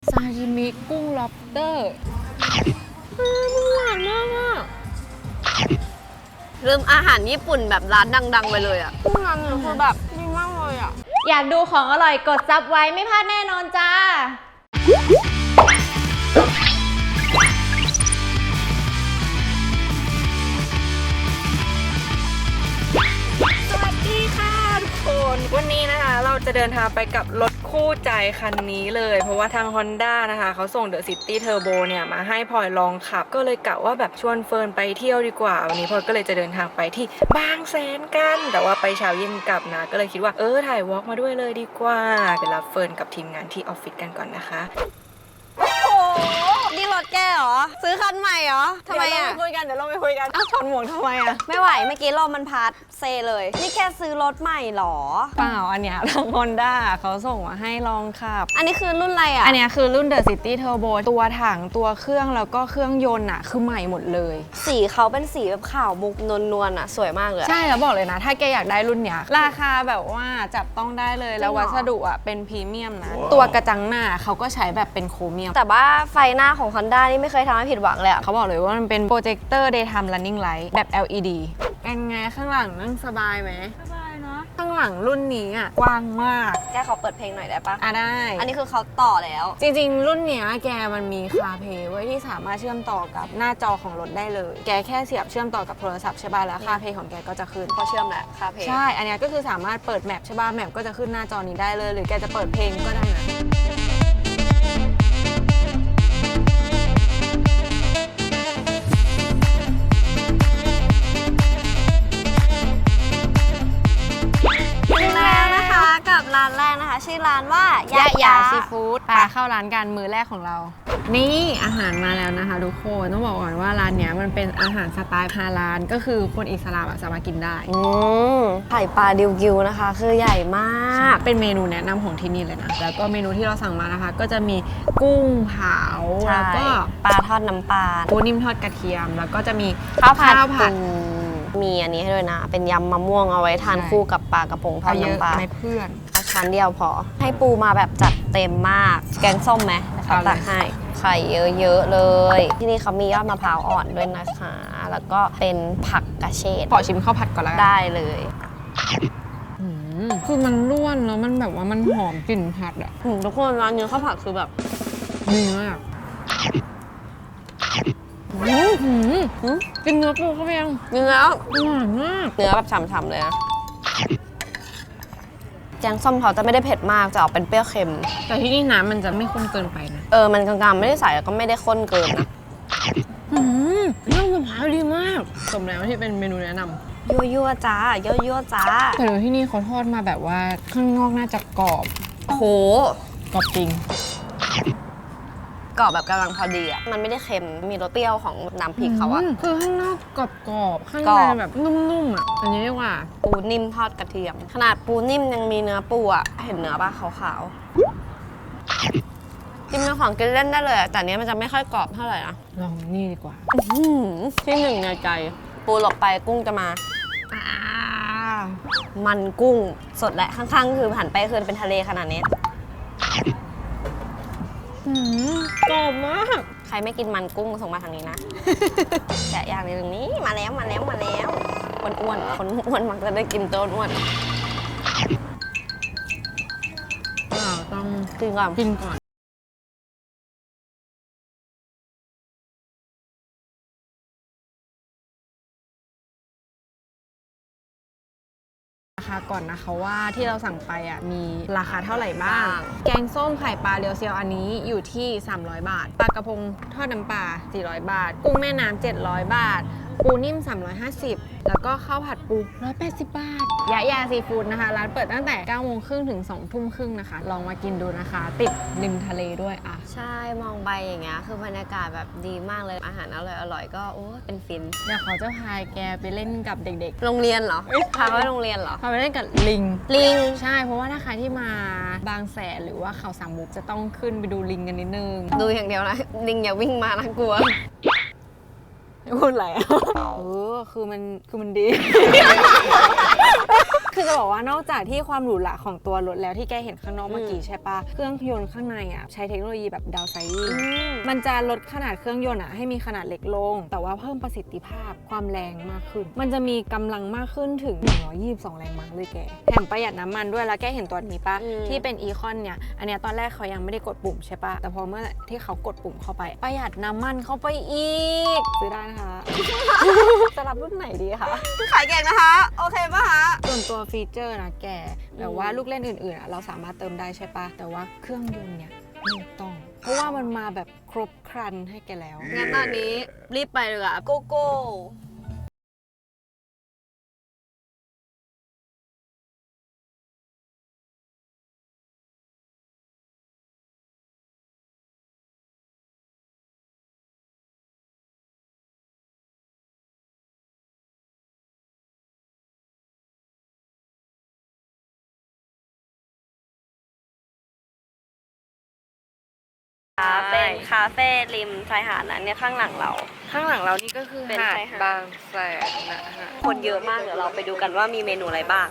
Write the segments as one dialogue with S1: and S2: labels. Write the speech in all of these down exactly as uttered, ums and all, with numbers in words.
S1: ซาชิมิกุ้งล็อบสเตอร์มันหวานมากอ่ะ
S2: ลืมอาหารญี่ปุ่นแบบร้านดังๆไปเลยอ่ะ
S1: กุ้งร้านนี้คือแบบดีมากเลยอ่ะ
S3: อยากดูของอร่อยกดซับไว้ไม่พลาดแน่นอนจ้า
S1: สวัสดีค่ะทุกคนวันนี้นะคะเราจะเดินทางไปกับรถคู่ใจคันนี้เลยเพราะว่าทาง Honda นะคะเขาส่ง The City Turbo เนี่ยมาให้พลอยลองขับก็เลยกะว่าแบบชวนเฟิร์นไปเที่ยวดีกว่าวันนี้พลอยก็เลยจะเดินทางไปที่บางแสนกันแต่ว่าไปเช้าเย็นกลับนะก็เลยคิดว่าเออถ่ายวอล์กมาด้วยเลยดีกว่าไปรับเฟิร์นกับทีมงานที่ออฟฟิศกันก่อนนะคะ
S2: โอ้โหนี่รถแกเหรอซื้อคันใหม่เหรอทำไมอ่ะ
S1: เดี๋ยวเราไปคุยกันเดี๋ยวเราไปคุยกันอ้าวถอนหมวกทำไมอ่ะ
S2: ไม่ไหวเมื่อกี้ลมมันพัดเซเลยนี่แกซื้อรถใหม่เหรอ
S1: เปล่าอันเนี้ยทาง Honda เขาส่งมาให้ลองขับ
S2: อันนี้คือรุ่นอะไรอ่ะ
S1: อันนี้คือรุ่น The City Turbo ตัวถังตัวเครื่องแล้วก็เครื่องยนต์อะคือใหม่หมดเลย
S2: สีเขาเป็นสีแบบขาวมุกนวลๆอ่ะสวยมากเลย
S1: ใช่แล้วบอกเลยนะถ้าแกอยากได้รุ่นเนี้ยราคาแบบว่าจับต้องได้เลยแล้ววัสดุอะเป็นพรีเมียมนะตัวกระจังหน้าเขาก็ใช้แบบเป็นโครเมียม
S2: แต่ว่าไฟหน้าของ Honda นี่ไม่เคยทำให้ผิดหวังเลยอ่ะ
S1: เขาบอกเลยว่ามันเป็นโปรเจคเตอร์ Daytime Running Light แบบ แอล อี ดี เป็นไงข้างหลังนั่งสบายไหมสบายเนาะข้างหลังรุ่นนี้อะกว้างมาก
S2: แกขอเปิดเพลงหน่อยได้ปะ
S1: อ่ะได้
S2: อันนี้คือเขาต่อแล้ว
S1: จริงๆรุ่นเนี้ยแกมันมีคาเพย์ไว้ที่สามารถเชื่อมต่อกับหน้าจอของรถได้เลยแกแค่เสียบเชื่อมต่อกับโทรศัพท์ใช่ป่ะแล้วคาเพย์ของแกก็จะขึ้น
S2: พอเชื่อมแหละคาเพลง
S1: ใช่อันเนี้ยก็คือสามารถเปิดแมปใช่ป่ะแมปก็จะขึ้นหน้าจอนี้ได้เลยหรือแกจะเปิดเพลงก็ได้นะ
S2: แล้วนะคะกับร้านแรกนะคะชื่อร้านว่ายะยาซีฟู้ด
S1: ไปเข้าร้านกันมื้อแรกของเรานี่อาหารมาแล้วนะคะทุกคนต้องบอกก่อนว่าร้านเนี้ยมันเป็นอาหารสไตล์ฮาลาลก็คือคนอิสลามสามารถกินได้
S2: อืมไข่ปลาดิวกิวนะคะคือใหญ่มาก
S1: เป็นเมนูแนะนำของที่นี่เลยนะแล้วก็เมนูที่เราสั่งมานะคะก็จะมีกุ้งเผาแล้วก็
S2: ปลาทอดน้ำปลา
S1: ปูนิ่มทอดกระเทียมแล้วก็จะมี
S2: ข้าวผัดปูมีอันนี้ให้ด้วยนะเป็นยำมะม่วงเอาไว้ทานคู่กับปลากระพงทอดน้ำปลา
S1: ไม่เพื่อน
S2: เอาชั้นเดียวพอให้ปูมาแบบจัดเต็มมากแกงส้มไหมนะคะตักให้ไข่เยอะๆเลยที่นี่เขามียอดมะพร้าวอ่อนด้วยนะคะแล้วก็เป็นผักกระเฉด
S1: ขอชิมข้าวผัดก่อนแล้ว
S2: ได้เลย
S1: คือมันร่วนแล้วมันแบบว่ามันหอมกลิ่นผัดอะ
S2: ทุกคนร้านนี้ข้าวผัดคือแบบ
S1: ดีมากกินเนื้อปูเข้าไปยัง
S2: เนื้อ
S1: หวานมาก
S2: เนื้อแบบฉ่ำๆเลยนะแกงส้มเขาจะไม่ได้เผ็ดมากจะออกเป็นเปรี้ยวเค็ม
S1: แต่ที่นี่น้ำมันจะไม่ข้นเกินไปนะ
S2: เออมันกลางๆไม่ได้ใส่แล้วก็ไม่ได้ข้นเกินนะ
S1: อืมน้ำมะพร้าวดีมากสมแล้วที่เป็นเมนูแนะนำ
S2: ยั่วยั่วจ้ายั่วยั่วจ้า
S1: แต่เดี๋ยวที่นี่เขาทอดมาแบบว่าข้างนอกน่าจะกรอบ
S2: โห
S1: กรอบจริง
S2: กรอบแบบกำลังพอดีอ่ะมันไม่ได้เค็มมีรสเปรี้ยวของน้ำพริกเขาอะ
S1: คือข้างนอกกรอบๆข้างในแบบนุ่มๆอ่ะอันนี้เรียกว่า
S2: ปูนิ่มทอดกระเทียมขนาดปูนิ่มยังมีเนื้อปูอ่ะเห็นเนื้อป่ะขาวๆจิ้มเป็นของกินเล่นได้เลยแต่เนี้ยมันจะไม่ค่อยกรอบเท่าไหร่นะ
S1: ลองนี่ดีกว่า
S2: ที่หนึ่งในใจปูหลบไปกุ้งจะมามันกุ้งสดแหละข้างๆคือหันไปคือเป็นทะเลขนาดนี้
S1: กรอบมาก
S2: ใครไม่กินมันกุ้งส่งมาทางนี้นะแกะอย่างนึงนี้มาแล้วมาแล้วมาแล้วคนอ้วนคนอ้วนมักจะได้กินโต้นอ้วน
S1: ต้อง
S2: กินก่อน
S1: กินก่อนราคาก่อนนะคะว่าที่เราสั่งไปอ่ะมีราคาเท่าไหร่บ้างแกงส้มไข่ปลาเรียวเซียวอันนี้อยู่ที่สามร้อยบาทปลากระพงทอดน้ำปลาสี่ร้อยบาทกุ้งแม่น้ำเจ็ดร้อยบาทปูนิ่มสามร้อยห้าสิบแล้วก็ข้าวผัดปูหนึ่งร้อยแปดสิบบาทยะยาซีฟู้ดนะคะร้านเปิดตั้งแต่เก้าโมงครึ่งถึงสองทุ่มครึ่งนะคะลองมากินดูนะคะติดริมทะเลด้วยอ่ะ
S2: ใช่มองไปอย่างเงี้ยคือบรรยากาศแบบดีมากเลยอาหารอร่อยอร่อยก็โอ้เป็นฟิน
S1: เดี๋ยวเขาจะพาแกไปเล่นกับเด็ก
S2: ๆโรงเรียนเหรอพาไปโรงเรียนเหรอ
S1: พาไปเล่นกับลิง
S2: ลิง
S1: ใช่เพราะว่าถ้าใครที่มาบางแสนหรือว่าเขาสามมุกจะต้องขึ้นไปดูลิงกันนิดนึง
S2: ดูอย่างเดียวนะลิงอย่าวิ่งมานะกลัว
S1: พูดอะไรอ่ะเออคือมันคือมันดี คคือจะบอกว่านอกจากที่ความหรูหราของตัวรถแล้วที่แกเห็นข้างนอกเมื่อกี้ใช่ปะเครื่องยนต์ข้างในอ่ะใช้เทคโนโลยีแบบดาวไซริงมันจะลดขนาดเครื่องยนต์อ่ะให้มีขนาดเล็กลงแต่ว่าเพิ่มประสิทธิภาพความแรงมากขึ้นมันจะมีกำลังมากขึ้นถึงหนึ่งร้อยยี่สิบสองแรงม้าเลยแกแถมประหยัดน้ำมันด้วยแล้วแกเห็นตัวนี้ปะที่เป็นอีคอนเนี่ยอันเนี้ยตอนแรกเขายังไม่ได้กดปุ่มใช่ปะแต่พอเมื่อที่เขากดปุ่มเข้าไปประหยัดน้ำมันเข้าไปอีกซื้อได้นะคะ จะรับรุ่นไหนดีคะขายเก่งนะคะโอเคปะคะส่วนตัวฟีเจอร์นะแกแบบว่าลูกเล่นอื่นๆเราสามารถเติมได้ใช่ปะแต่ว่าเครื่องยนต์เนี่ยไม่ต้องเพราะว่ามันมาแบบครบครันให้แกแล้วงั้นตอนนี้รีบไปเลยอะโกโก้
S2: เป็นคาเฟ่ริมชายหาดนะเนี่ยข้างหลังเรา
S1: ข้างหลังเรานี่ก็คือ
S2: เป็น
S1: หาด
S2: ชายหาด
S1: บางแสนนะฮะ
S2: คนเยอะมากเดี๋ยวเราไปดูกันว่ามีเมนูอะไรบ้าง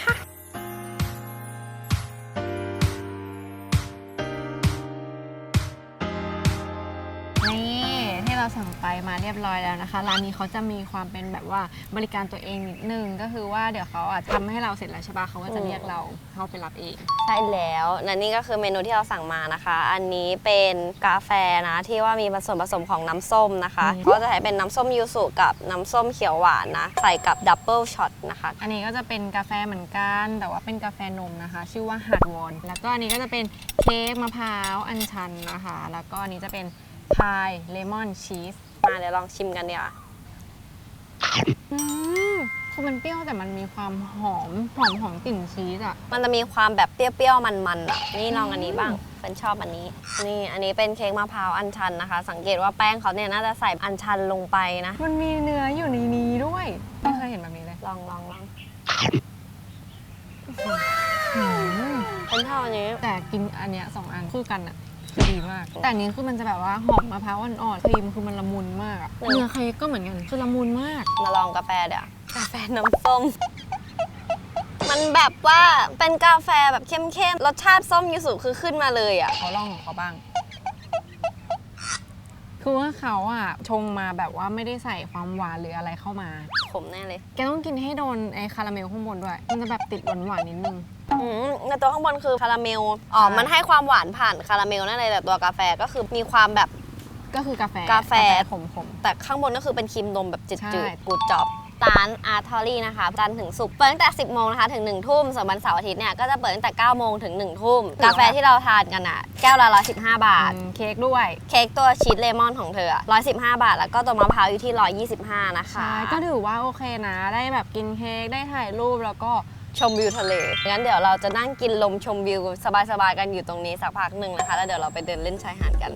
S1: นี่ที่เราสั่งไปมาเรียบร้อยแล้วนะคะร้านนี้เขาจะมีความเป็นแบบว่าบริการตัวเองนิดนึงก็คือว่าเดี๋ยวเขาอาจทำให้เราเสร็จแล้วใช่ปะเขาก็จะเรียกเราเข้าไปรับเอง
S2: ใช่แล้วและนี่ก็คือเมนูที่เราสั่งมานะคะ อันนี้เป็นกาแฟนะที่ว่ามีส่วนผสมของน้ำส้มนะคะก็จะใช้เป็นน้ำส้มยูสุกับน้ำส้มเขียวหวานนะใส่กับดับเบิลช็อตนะคะ
S1: อันนี้ก็จะเป็นกาแฟเหมือนกันแต่ว่าเป็นกาแฟนมนะคะ ชื่อว่าฮาร์ดวอนแล้วก็อันนี้ก็จะเป็นเค้กมะพร้าวอัญชันนะคะแล้วก็อันนี้จะเป็นพายเลมอนชีส
S2: มาเดี๋ยวลองชิมกันดีกว่า
S1: อืมคือมันเปรี้ยวแต่มันมีความหอมหอมหอมกลิ่นชีสอ่ะ
S2: มันจะมีความแบบเปรี้ยวๆมันๆอ่ะนี่ลองอันนี้บ้างเป็นชอบอันนี้นี่อันนี้เป็นเค้กมะพร้าวอัญชันนะคะ สังเกตว่าแป้งเขาเนี่ยน่าจะใส่อัญชันลงไปนะ
S1: มันมีเนื้ออยู่ในนี้ด้วยไม่เคยเห็นแบบนี้เลย
S2: ลองลองลอง
S1: อืม
S2: เป็นชอบอันนี้
S1: แต่กินอันเนี้ยสองอันคู่กันอ่ะคือดีมากแต่อันนี้คือมันจะแบบว่าหอมมะพร้าวอ่อนๆครีมคือมันละมุนมากอะเนื้อเค้กก็เหมือนกันคือละมุนมาก
S2: มาลองกาแฟเดี๋ยวกาแฟน้ำส้ม มันแบบว่าเป็นกาแฟแบบเข้มๆรสชาติส้มยูสุคือขึ้นมาเลยอ่ะ
S1: เขาลองของเขาบ้าง คือว่าเขาอ่ะชงมาแบบว่าไม่ได้ใส่ความหวานหรืออะไรเข้ามา
S2: ขมแน่เลย
S1: แกต้องกินให้โดนไอ้คาราเมลข้างบนด้วย มันจะแบบติดหวานหวานๆนิดนึง
S2: อืมในตัวข้างบนคือคาราเมลอ๋อ
S1: ใช่
S2: มันให้ความหวานผ่านคาราเมลนั่นเลยแต่ตัวกาแฟก็คือมีความแบบ
S1: ก็คือกาแฟ
S2: กาแฟ
S1: ขมขม
S2: แต่ข้างบนก็คือเป็นครีมนมแบบจื
S1: ใช่
S2: ดๆกูดจอบร้านอาร์ทอรี่นะคะจันทร์ถึงศุกร์เปิดตั้งแต่สิบโมงนะคะถึงหนึ่งทุ่มส่วนวันเสาร์อาทิตย์เนี่ยก็จะเปิดตั้งแต่เก้าโมงถึงหนึ่งทุ่มกาแฟที่เราทานกันอ่ะแก้วละหนึ่งร้อยสิบห้าบาท
S1: อืมเค้กด้วย
S2: เค้กตัวชีสเลมอนของเธออะหนึ่งร้อยสิบห้าบาท แล้วก็ตัวมะพร้าวอยู่ที่หนึ่งร้อยยี่สิบห้านะคะ
S1: ใช่ ก็ถือว่าโอเคนะ ได้แบบกินเค้ก ได้ถ่ายรูปแล้วก็
S2: ชมวิวทะเลงั้นเดี๋ยวเราจะนั่งกินลมชมวิวสบายๆกันอยู่ตรงนี้สักพักหนึ่งนะคะแล้วเดี๋ยวเราไปเดินเล่นชายหาดกัน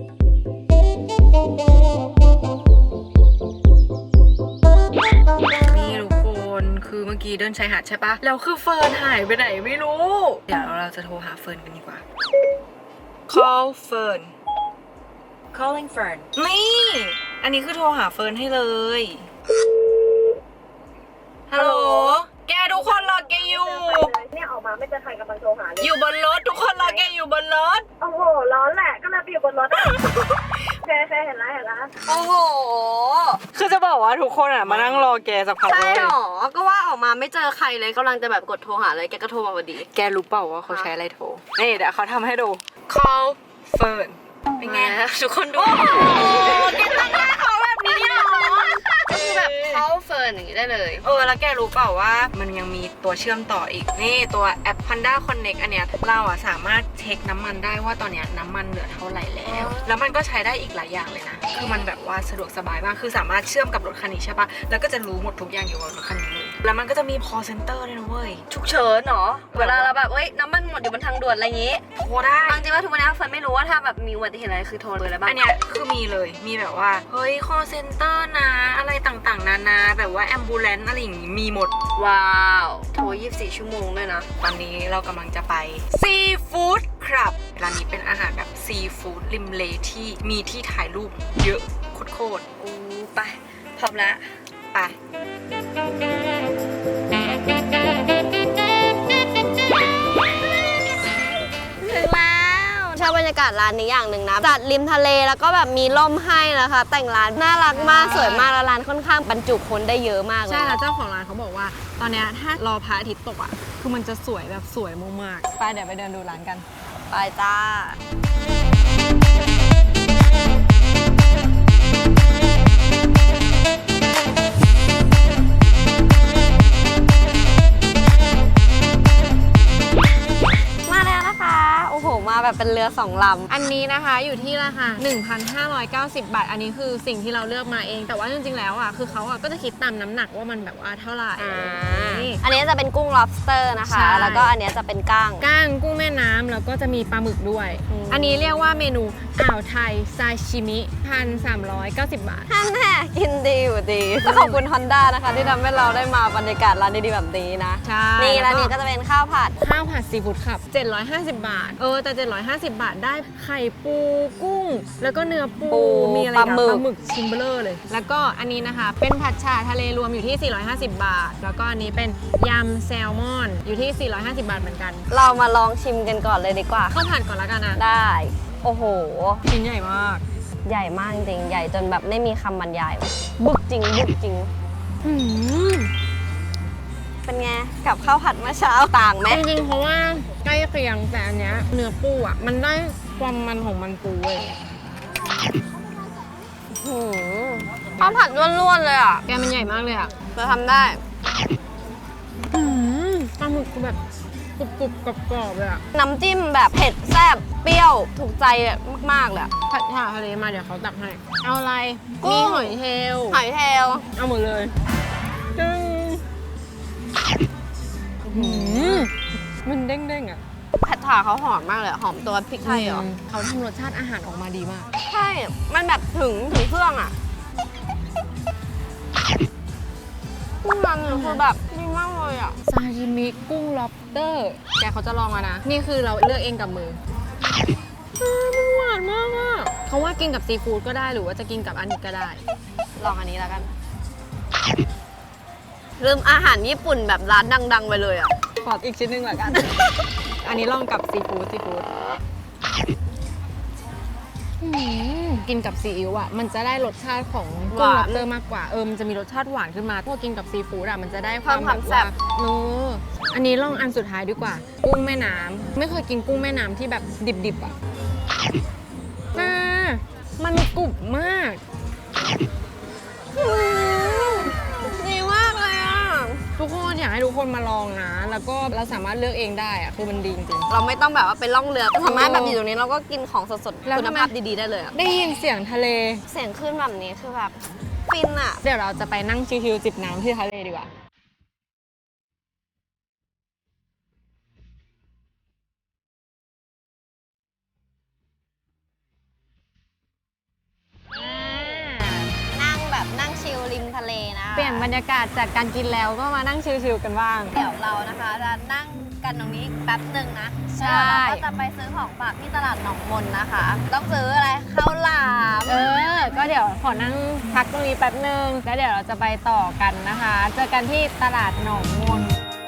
S1: นี่ทุกคนคือเมื่อกี้เดินชายหาดใช่ปะแล้วคือเฟิร์นหายไปไหนไม่รู้ เดี๋ยวเราจะโทรหาเฟิร์นกันดีกว่า call เฟิร์น calling เฟิร์นนี่ อันนี้คือโทรหาเฟิร์นให้เลยฮัลโหลแกทุกคนรอแกอยู่
S4: เนี่ยออกมาไม่เจอใครกำลังโทรหาเลย
S1: อยู่บนรถทุกคนรอแกอยู่บนรถ
S4: โอ้โห ร้อนแหละ ก็เลยไปอยู่บนรถอะ เคยเคยเห็นแล้วเห็นแล้ว
S2: โอ้โห
S1: คือจะบอกว่าทุกคนอ่ะมานั่งรอแกสักพัก
S2: ใช่
S1: เลย
S2: หรอ ก็ว่าออกมาไม่เจอใครเลยกำลังจะแบบกดโทรหาเลยแกก็โทรมาพอดี
S1: แกรู้เปล่าว่าเขาใช้อะไรโทร นี่เดี๋ยวเขาทำให้ดู call เฟิร์นเป็นไง
S2: ทุกคนดูแกตั้งหน้าเขาแบบนี้เหรอก็คือแบบเขาเฟิร์นอย่างนี้ได้เลย
S1: เออแล้วแกรู้เปล่าว่ามันยังมีตัวเชื่อมต่ออีกนี่ตัวแอป Panda Connect อันเนี้ยเราอ่ะสามารถเช็คน้ำมันได้ว่าตอนเนี้ยน้ำมันเหลือเท่าไหร่แล้ว แล้วมันก็ใช้ได้อีกหลายอย่างเลยนะคือมันแบบว่าสะดวกสบายมากคือสามารถเชื่อมกับรถคันนี้ใช่ปะแล้วก็จะรู้หมดทุกอย่างอยู่บนรถคันนี้เลยแล้วมันก็จะมี call center ด้วยนะเว้ย
S2: ฉุกเฉินเหรอเวลาเราแบบเอ้ยน้ำมันหมดอยู่บนทางด่วนอะไรอย่างงี้
S1: โทรได้
S2: บางทีว่าทุกวันนี้เฟิร์นไม่รู้ว่าถ้าแบบมีอุบัติเหตุอะไรคือโทรเลยอะไรบ้าง
S1: อันเนี้ยคือมีเลยมีแบบว่าเฮ้ย call center นะอะไรต่างๆนานาแบบว่า ambulance อะไรอย่างงี้มีหมด
S2: ว้าวโทรยี่สิบสี่ชั่วโมงด้วยนะ
S1: ตอนนี้เรากำลังจะไปซีฟู้ดครับร้านนี้เป็นอาหารแบบซีฟู้ดริมเลที่มีที่ถ่ายรูปเยอะโคตร
S2: อู้ไปพร้อมแล้ว
S1: ๆไป
S2: ยากาศร้านนี้อย่างหนึ่งนะจัดริมทะเลแล้วก็แบบมีร่มให้นะคะ แต่งร้านน่ารักมากสวยมากแล้วร้านค่อนข้างบรรจุคนได้เยอะมากเลย
S1: ใช่
S2: นะ
S1: แล้วเจ้าของร้านเขาบอกว่า ตอนเนี้ยถ้ารอพระอาทิตย์ตกอ่ะคือมันจะสวยแบบสวยมากๆไปเดี๋ยวไปเดินดูร้านกัน
S2: ไปจ้ามาแล้วนะคะโอ้โหมาแบบเป็นเรือสองลำ
S1: อันนี้นะคะอยู่ที่ราคา หนึ่งพันห้าร้อยเก้าสิบ บาท อันนี้คือสิ่งที่เราเลือกมาเอง แต่ว่าจริงๆแล้วอ่ะคือเขาอ่ะก็จะคิดตามน้ำหนักว่ามันแบบว่าเท่าไหร่
S2: อ่า
S1: นี่
S2: อันนี้จะเป็นกุ้ง lobster นะคะ
S1: ใช่
S2: แล้วก็อันนี้จะเป็นก้าง
S1: ก้างกุ้งแม่น้ำแล้วก็จะมีปลาหมึกด้วย
S2: อืม
S1: อันนี้เรียกว่าเมนูอ่าวไทยซาชิมิพันสามร้อยเก้าสิบบาท
S2: ท่านแน่กินดีอยู่ดีต้องขอบคุณ Honda นะคะ ที่ทำให้เราได้มาบรรยากาศร้านดีๆแบบนี้นะ
S1: ใช่
S2: นี่ร้านนี้ก็จะเป็นข้าวผัด
S1: ข้าวผัดซีฟู้ดครับเจ็ดร้อยห้าสิบบาท เออแต่เจ็ดร้อยห้าสิบบาทได้ไข่ปูกุ้ง แล้วก็เนื้อปู
S2: ปู
S1: มีอะไร
S2: ปลา
S1: นะ
S2: หมึก
S1: ปลาหมึกชิ้นเบลอเลย แล้วก็อันนี้นะคะ เป็นผัดฉ่าทะเลรวมอยู่ที่ สี่ร้อยห้าสิบบาท แล้วก็อันนี้เป็นยำแซลมอนอยู่ที่ สี่ร้อยห้าสิบบาทเหมือนกัน
S2: เรามาลองชิมกันก่อนเลยดีกว่า
S1: ข้าวผัดก่อนละกันนะ
S2: ได้ โอ้โห
S1: ชิ้นใหญ่มาก
S2: ใหญ่มากจริงๆ ใหญ่จนแบบไม่มีคำบรรยายบึกจริงบึกจริง
S1: อืม
S2: เป็นไง กับข้าวผัดเมื่อเช้าต่างไหม
S1: จริงๆ เพราะว่าใกล้เคียงแต่อันเนี้ยเนื้อปูอ่ะ มันได้ความมันของมันปูเว้ย
S2: หืมข้าวผัดล้วนๆเลยอ่ะ
S1: แกมันใหญ่มากเลยอ่ะ
S2: เราทำได้
S1: อืมปลาหมึกคือแบบกรุบๆกรอบๆเลยอ่ะ
S2: น้ำจิ้มแบบเผ็ดแซ่บเปรี้ยวถูกใจมากๆเลยอะ
S1: ผัดฉ่าทะเลมาเดี๋ยวเขาตักให้ เอาอะไร
S2: กุ้
S1: มี
S2: ง
S1: หอยเชลล์
S2: หอยเชลล์
S1: เอาหมดเลยจึ้งหืมมันเด้งๆอ่ะ
S2: ผัดฉ่าเขาหอมมากเลยอะหอมตัวพริกไทยเหรอ
S1: มเขาทำรสชาติอาหารออกมาดีมาก
S2: ใช่ มันแบบถึงถึงเครื่องอ่ะกุ้งมันเนี่ยคือแบบดีมากเลยอ่ะ
S1: ซาชิมิกุ้งล็อบสเตอร์ แกเขาจะลองมานะ นี่คือเราเลือกเองกับมืออืมมันหวานมากอ่ะเขาว่ากินกับซีฟู้ดก็ได้หรือว่าจะกินกับอันนี้ก็ได้
S2: ลองอันนี้แล้วกัน ลืมอาหารญี่ปุ่นแบบร้านดัง ๆ ไปเลยอ่ะ
S1: ขออีกชิ้นหนึ่งละกัน อันนี้ลองกับซีฟู้ดซีฟู้ดอืมกินกับซีอิ๊วอ่ะ มันจะได้รสชาติของกุ้ง
S2: ห
S1: ล็
S2: วา
S1: อน บสเตอร์มากกว่า เออ มันจะมีรสชาติหวานขึ้นมาพวกกินกับซีฟู้ดอ่ะ มันจะได้ความ
S2: เพิ่มความ
S1: บบ
S2: แซ่บ
S1: เอออันนี้ลองอันสุดท้ายดีกว่า กุ้งแม่น้ำไม่เคยกินกุ้งแม่น้ำที่แบบดิบๆอ่ะอ่ามันกรุบมาก
S2: ดีมากเลยอ่ะ
S1: ทุกคนอยากให้ทุกคนมาลองนะ แล้วก็เราสามารถเลือกเองได้อ่ะ คือมันดีจริง
S2: เราไม่ต้องแบบว่าไปล่องเรือสามารถแบบอยู่ตรงนี้เราก็กินของสดๆ
S1: แล้ว
S2: คุณ
S1: ทำไม
S2: ภาพดีๆได้เลยอะ
S1: ๆได้ยินเสียงทะเล
S2: เสียงคลื่นแบบนี้คือแบบฟินอ่ะ
S1: เดี๋ยวเราจะไปนั่งชิวๆจิบน้ำที่ทะเลดีกว่า
S2: นั่งแบบนั่งชิลริมทะเลนะ
S1: เปลี่ยนบรรยากาศจากการกินแล้วก็มานั่งชิลๆกันบ้าง
S2: เดี๋ยวเรานะคะจะนั่งกันตรงนี้แป๊บหนึ่งนะ
S1: ใช่
S2: แล้วเราก็จะไปซื้อของฝากที่ตลาดหนองมนนะคะ ต้องซื้ออะไรข้าวหลาม
S1: เออ ก็เดี๋ยวขอนั่งพักตรงนี้แป๊บนึง แล้วเดี๋ยวเราจะไปต่อกันนะคะ เจอกันที่ตลาดหนองมน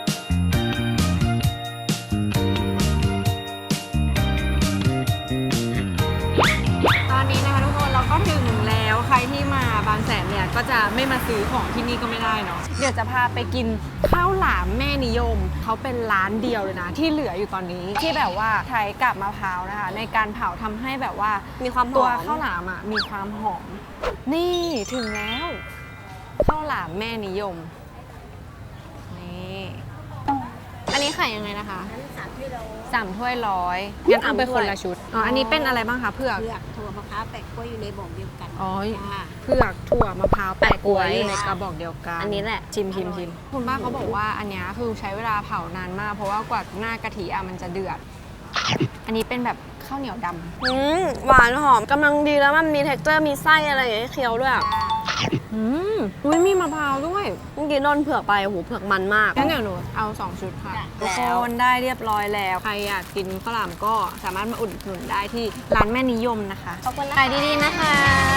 S1: ตอนนี้นะคะทุกคนเราก็ถึงแล้วใครที่มาบางแสนเนี่ยก็จะไม่มาซื้อของที่นี่ก็ไม่ได้เนาะเดี๋ยวจะพาไปกินข้าวหลามแม่นิยมเขาเป็นร้านเดียวเลยนะ ที่เหลืออยู่ตอนนี้ที่แบบว่าใช้กับมะพร้าวนะคะ ในการเผาทำให้แบบว่า
S2: มีความห
S1: ตัว
S2: อม
S1: ข้าวหลามอ่ะมีความหอม นี่ถึงแล้วข้าวหลามแม่นิยมนี่อันนี้ขายยังไงนะคะสามถ้วยร้อยงั้นเอาไปคนละชุดอ๋ออันนี้เป็นอะไรบ้างคะเผือก
S5: เผือกถั่วมะพร้าวแปะกล้วยอยู่ในบ่งเดียวกัน
S1: อ๋อ
S5: จ้า
S1: เผือกถั่วมะพร้าวแปะกล้วยอยู่ในกระบอกเดียวกัน
S2: อันนี้แหละ
S1: ชิมชิมชิมคุณป้าเขาบอกว่าอันเนี้ยคือใช้เวลาเผานานมาก เพราะว่ากว่าหน้ากะทิอ่ะมันจะเดือด อันนี้เป็นแบบข้าวเหนียวดำ
S2: อืมหวานหอมกำลังดีแล้วมันมี texture มีไส้อะไรอย่างเงี้ยเคี้ยวด้วยอะ
S1: อืมอุ้ยมีมะพร้าวด้วย
S2: เมื่อกี้โดนเผือกไปโอ้โหเผือกมันมาก
S1: งั้นเดี๋ยวหนูเอาสองชุดค่ะทุกคนได้เรียบร้อยแล้ว ใครอยากกินข้าวหลามก็สามารถมาอุดหนุนได้ที่ร้านแม่นิยมนะคะ
S2: ขอบคุณนะ
S1: ขายดีๆนะคะ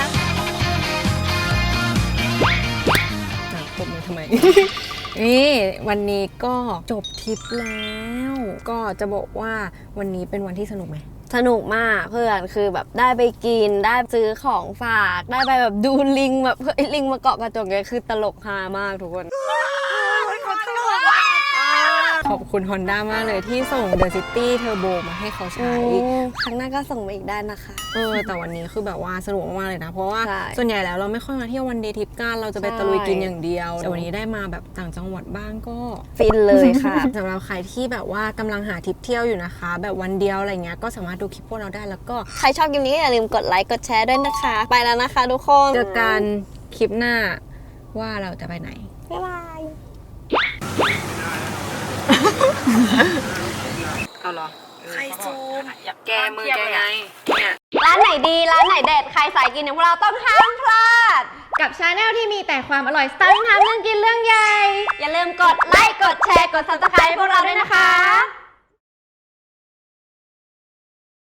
S1: ปมมือทำไม นี่วันนี้ก็จบทริปแล้ว ก็จะบอกว่าวันนี้เป็นวันที่สนุกไหม
S2: สนุกมากเพื่อนคือแบบได้ไปกินได้ซื้อของฝากได้ไปแบบดูลิงแบบเฮ้ยลิงมาเกาะกระจกเนี่ยคือตลกฮามากทุกคน
S1: ขอบคุณ Honda มากเลยที่ส่ง The City Turbo มาให้เขาใช้
S2: ครั้งหน้าก็ส่งมาอีกได้นะคะ
S1: เออแต่วันนี้คือแบบว่าสนุกมากๆเลยนะ เพราะว่า
S2: ใช่
S1: ส่วนใหญ่แล้วเราไม่ค่อยมาเที่ยววันเดย์ทริปกันเราจะไป
S2: ใช่
S1: ตะลุยกินอย่างเดียวแต่วันนี้ได้มาแบบต่างจังหวัดบ้างก็
S2: ฟินเลยค่ะ
S1: สำหรับใครที่แบบว่ากำลังหาทริปเที่ยวอยู่นะคะ แบบวันเดียวอะไรเงี้ยก็สามารถดูคลิปพวกเราได้แล้วก็
S2: ใครชอบคลิปนี้ก็อย่าลืมกดไลค์กดแชร์ด้วยนะคะ ไปแล้วนะคะทุกคน
S1: เจอกันคลิปหน้าว่าเราจะไปไหน
S2: บ๊ายบาย
S1: เอาเหรอใครซูมแกมือแกไงเนี่ย
S2: ร้านไหนดีร้านไหนเด็ดใครสายกินอย่างพวกเราต้องห้ามพลาด
S3: กับชาแนลที่มีแต่ความอร่อยสไตล์ทำเรื่องกินเรื่องใหญ่
S2: อย่าลืมกดไลค์กดแชร์กด ซับสไครบ์ พวกเราด้วยนะคะ